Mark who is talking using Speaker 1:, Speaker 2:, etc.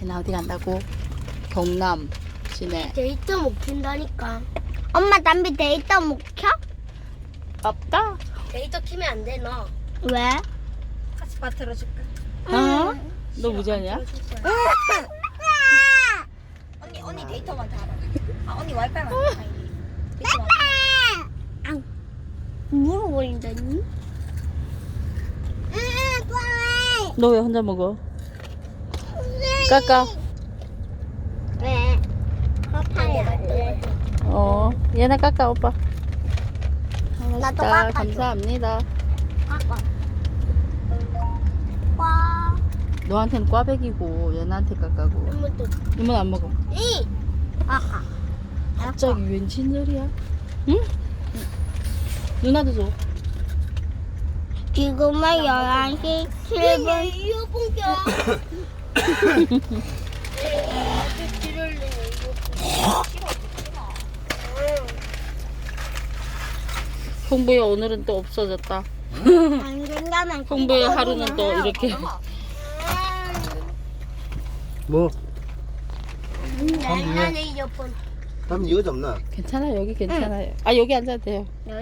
Speaker 1: 얘나 어디 간다고? 경남 시내.
Speaker 2: 데이터 못 킨다니까. 엄마 담비 데이터 못 켜?
Speaker 1: 없다.
Speaker 2: 데이터 키면 안 돼, 너. 왜?
Speaker 3: 카스파 틀어줄까?
Speaker 1: 어? 너 무전이야?
Speaker 3: 언니 데이터만 달아. 아 언니 와이파이만 달아. 데이터
Speaker 2: 물어버린다니?
Speaker 1: 너 왜 혼자 먹어? 까까.
Speaker 2: 왜? 파파야.
Speaker 1: 얘나 까까 오빠.
Speaker 2: 나도
Speaker 1: 자,
Speaker 2: 깎아줘.
Speaker 1: 감사합니다.
Speaker 2: 깎아. 와.
Speaker 1: 너한테는 꽈배기고 얘나한테 까까고.
Speaker 2: 이것도.
Speaker 1: 이모는 안 먹어.
Speaker 2: 이. 깎아.
Speaker 1: 갑자기 웬친절이야? 응? 누나도 줘.
Speaker 2: 지금은 11시 7분. 이어폰 껴.
Speaker 1: 홍보야 오늘은 또 없어졌다.
Speaker 2: 안 된다면
Speaker 1: 홍보의 하루는 또 이렇게.
Speaker 4: 뭐?
Speaker 2: 나는 이어폰.
Speaker 4: 다음 이거 잡나?
Speaker 1: 괜찮아요. 여기 괜찮아요. 아 여기 앉아도 돼요.